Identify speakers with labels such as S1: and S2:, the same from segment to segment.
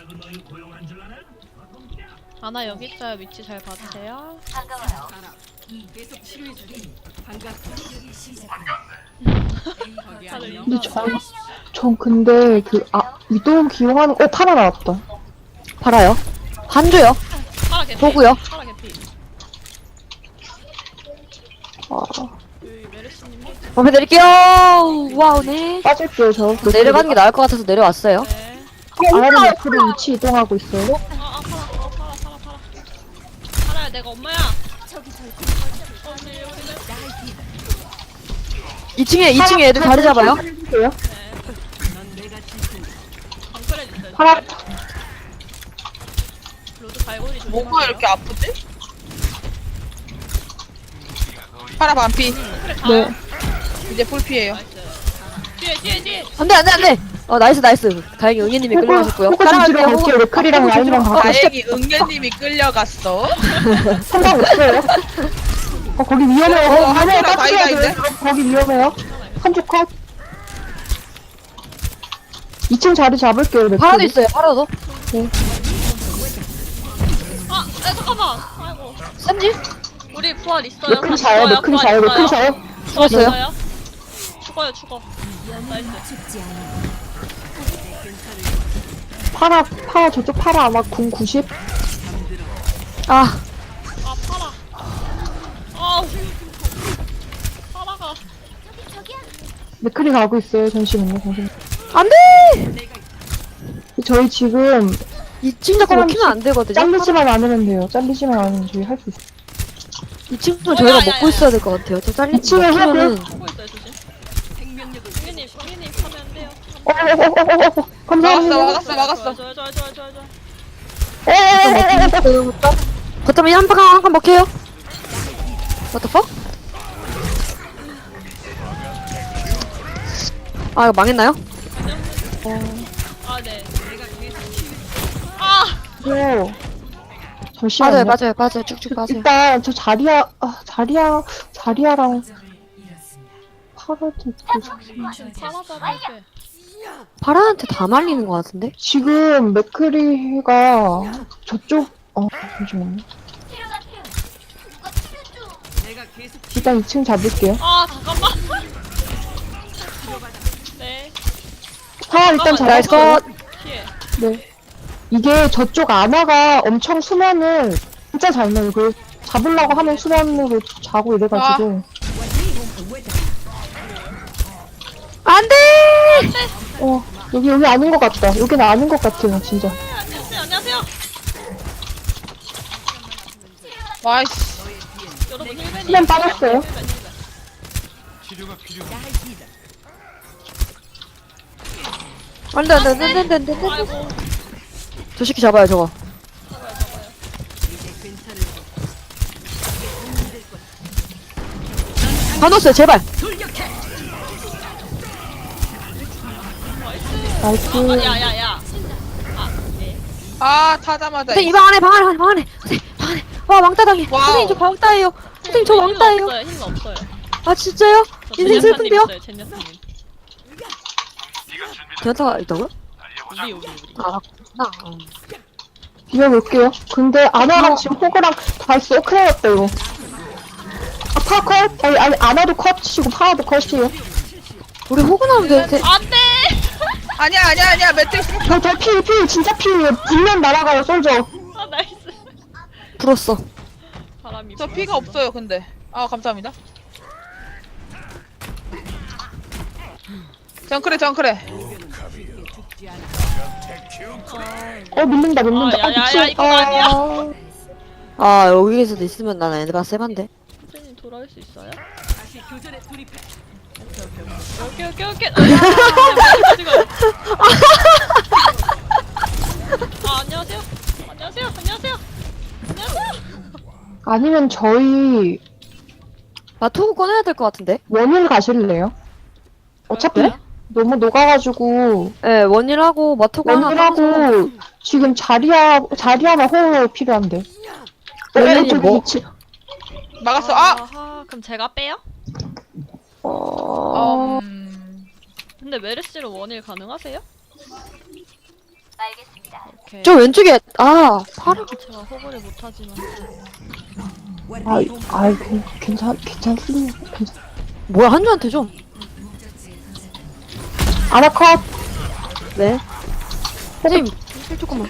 S1: 아나 여기 있어요. 위치 잘 봐주세요.
S2: 계속 치료해 주니 반갑다.
S1: 다들
S3: 근데
S1: 인사하세요.
S3: 전 근데 위도우 기용하는, 파라 나왔다.
S4: 팔아요. 한조요.
S1: 파라 개피.
S4: 보고요.
S1: 파라 개피.
S3: 아,
S1: 여기 메르시님.
S4: 범위 드릴게요. 와우네.
S3: 빠질게요, 저.
S4: 내려가는 게 나을 것 같아서 내려왔어요.
S1: 네.
S3: 아래로 옆으로 위치 이동하고 있어요.
S1: 파라. 파라야 내가 엄마야. 우리는
S4: 2층에 애들 자리 잡아요.
S3: 해주세요.
S1: 방클해 주세요.
S3: 파라,
S1: 로드 발골이 좀.
S5: 뭐가 이렇게 아프지? 파라 반피.
S1: 그래 가.
S3: 네.
S5: 이제 풀피에요.
S1: 뒤에.
S4: 안돼. 나이스. 다행히 응애님이 끌려가셨고요.
S3: 호그 좀 뒤로 갈게요. 레클이랑 라인이랑 가고.
S5: 다행히 응애님이 끌려갔어.
S3: 상관없어요. 거기 위험해요.
S5: 한조랑
S3: 딱 쳐야
S5: 다이다인데?
S3: 돼요. 거기 위험해요. 한조 컷. 2층 자리 잡을게요, 레클이.
S4: 파라도 있어요. 파라도.
S1: 잠깐만. 아이고.
S4: 쌤지?
S1: 우리 부활 있어요.
S3: 레클이 자요, 레클이 자요, 레클이 자요.
S4: 죽었어요.
S1: 죽어. 나이스.
S3: 파라, 저쪽 파라 아마 궁 90?
S4: 아,
S1: 파라. 아우. 파라가.
S3: 레클이 가고 있어요. 잠시만요.
S4: 안돼.
S3: 저희 지금
S4: 2층 자꾸 먹히면 안 되거든요.
S3: 잘리지만 않으면 돼요. 잘리지만 않으면 저희 할 수 있어요.
S4: 2층은 저희가 먹고 있어야 될 것 같아요. 저 잘리
S3: 2층에
S4: 먹히면은
S1: 보고 있어요, 조심.
S2: 생명력을
S1: 승현님 하면 안 돼요.
S3: 감사합니다.
S5: 막았어.
S1: 좋아요.
S4: 거점이 한칸 먹혀요. What the fuck? 아, 이거 망했나요?
S1: 아, 네. 아!
S3: 잠시만요.
S4: 빠져요. 쭉쭉 빠져요.
S3: 일단 저 자리야랑 파라도 있고
S1: 파라가 이렇게.
S4: 파라한테 다 말리는 것 같은데?
S3: 지금 맥크리가 저쪽 잠시만요.
S2: 내가 계속
S3: 일단 2층 잡을게요.
S1: 아, 잠깐만. 네.
S3: 파라 일단
S4: 나이스
S3: 잡았어요.
S4: 컷.
S1: 피해.
S3: 네. 이게 저쪽 아나가 엄청 수면을 진짜 잘 내요. 그 잡으려고 하면 수면으로 자고 이래가지고.
S4: 안돼.
S3: 여기 아닌 것 같다. 여기는 아닌 것 같아요, 진짜.
S1: 안녕하세요.
S5: 와이씨.
S1: 여러분, 힐맨이.
S3: 수면 빠졌어요.
S4: 안돼.
S1: 아이고.
S4: 저 새끼 잡아요 저거. 다 넣었어요 제발.
S3: 나이스.
S1: 야야야.
S5: 아 타자마자.
S4: 선생님 방 안에. 와 왕따당해.
S5: 와우.
S4: 선생님 저 왕따예요. 선생님 저 왕따예요.
S1: 힘 없어요.
S4: 아 진짜요? 인생 슬픈데요?
S1: 젠야사님.
S4: 변타가 있다고요?
S1: 우리.
S4: 아 나.
S3: 비벼볼게요. 근데 아나랑 지금 호그랑 다 있어. 큰일 났다, 이거. 파라 컷? 아니, 아나도 컷이고 파라도 컷이에요.
S4: 우리 호구 나오면 되는데.
S1: 안돼.
S5: 아니야 매트릭스.
S3: 저 피, 진짜 피예요. 불면 날아가요, 솔저.
S1: 아, 나이스.
S4: 불었어.
S1: 바람이.
S5: 저 피가 없어요 근데. 아 감사합니다. 정크래.
S3: 밀린다.
S1: 야야야, 이건 아니야.
S4: 아 여기에서도 있으면 난 애들아 세반데.
S1: 선생님 돌아올 수 있어요?
S2: 다시 교전에 돌입해.
S1: 오케이. 안녕하세요.
S3: 아니면 저희
S4: 마토구 꺼내야 될 것 같은데?
S3: 원일 가실래요? 어차피
S1: 그럴까요?
S3: 너무 녹아가지고
S4: 예, 원일하고 마토구 하나
S3: 원일하고 지금 자리야나 호흡 필요한데.
S4: 원일이
S3: 저기
S4: 뭐?
S3: 위치.
S5: 막았어.
S1: 그럼 제가 빼요?
S3: 어...
S1: 근데 메르시로 원일 가능하세요? 오케이.
S4: 저 왼쪽에 아 파라.
S1: 제가 호구를 못하지만.
S3: 괜찮습니다.
S4: 뭐야 한주한테 좀.
S3: 아나 컷.
S4: 네. 선생님 조금만.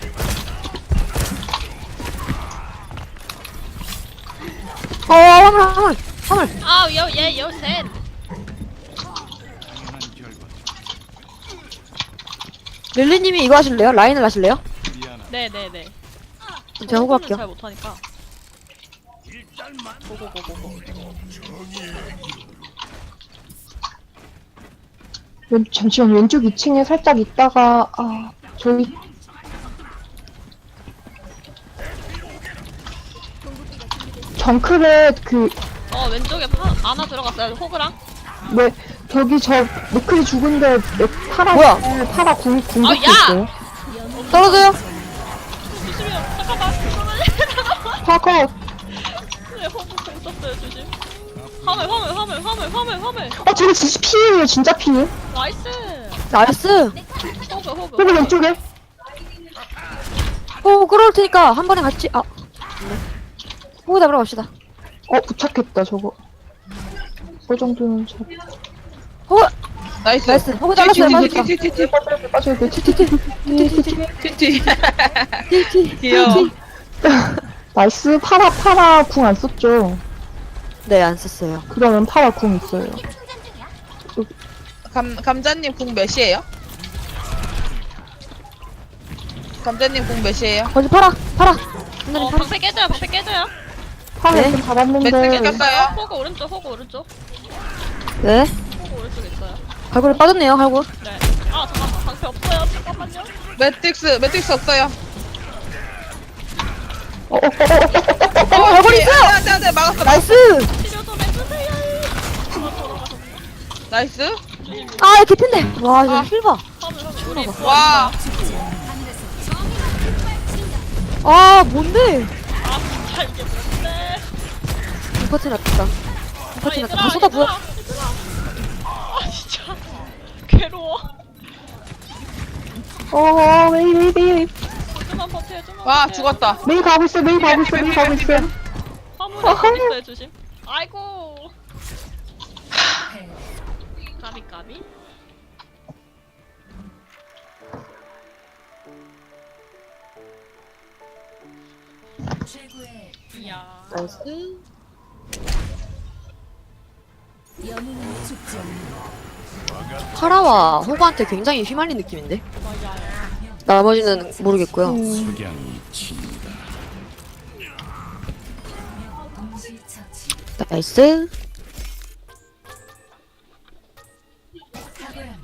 S4: 화물.
S1: 아, 얘 셋.
S4: 릴리님이 이거 하실래요? 라인을 하실래요?
S1: 네네네.
S4: 제가 호구 할게요.
S1: 잘 못하니까. 고고고고고.
S3: 잠시만, 왼쪽 2층에 살짝 있다가, 저희, 정크렛,
S1: 왼쪽에 아나 들어갔어요. 호그랑.
S3: 저기 노클이 죽은데,
S4: 뭐야?
S3: 파라 궁극기
S1: 야!
S3: 있어요.
S4: 떨어져요?
S1: 조심해요. 잠깐만.
S3: 파라 컷.
S1: 네, 호그 공 썼어요. 조심. 화물.
S3: 저거 진짜 피해요, 진짜 피해.
S1: 나이스.
S4: 나이스.
S1: 호그.
S3: 그리고 왼쪽에,
S4: 끌어올 테니까 한 번에 같이 네. 호구 잡으러 갑시다.
S3: 부착했다, 저거. 그 정도는 잘.
S4: 호구
S5: 나이스.
S4: 나이스. 호구 잘랐어요. 맞았다.
S5: 티티티티.
S3: 빠져야 돼.
S5: 티티. 귀여워.
S3: 나이스. 파라 궁 안 썼죠?
S4: 네, 안 썼어요.
S3: 그러면 파라 궁 있어요.
S5: 감자님 궁 몇이에요? 감자님 궁 몇이에요?
S4: 거기 팔아.
S1: 방패 깨져요.
S3: 파라
S4: 네.
S3: 이렇게 잡았는데.
S5: 매트 깼어요?
S1: 호그 오른쪽.
S4: 네.
S1: 호그 오른쪽 있어요.
S4: 갈고리 빠졌네요. 갈고.
S1: 네. 아, 잠깐만. 방패 없어요. 잠깐만요.
S5: 매트릭스 없어요.
S4: 갈고리 있어요.
S5: 안돼 막았어.
S4: 나이스.
S1: 치료 좀 해주세요.
S5: 나이스.
S4: 아, 개핀데. 와, 이거 힐 봐.
S1: 우리
S5: 와.
S4: 아, 뭔데?
S1: 진짜 이게 뭔데?
S4: 인퍼트 났다. 인퍼트 났다. 다 쏟아 부어.
S1: 아, 진짜 괴로워.
S3: 메이.
S1: 좀만 버텨요. 좀만
S5: 와
S1: 버텨요.
S5: 죽었다.
S3: 메이 가고 있어.
S1: 화물에 공 있어요. 조심. 아이고. 까비. 이야.
S4: 나이스. 파라와 호구한테 굉장히 휘말린 느낌인데?
S1: 맞아요.
S4: 나머지는 모르겠고요. 나이스.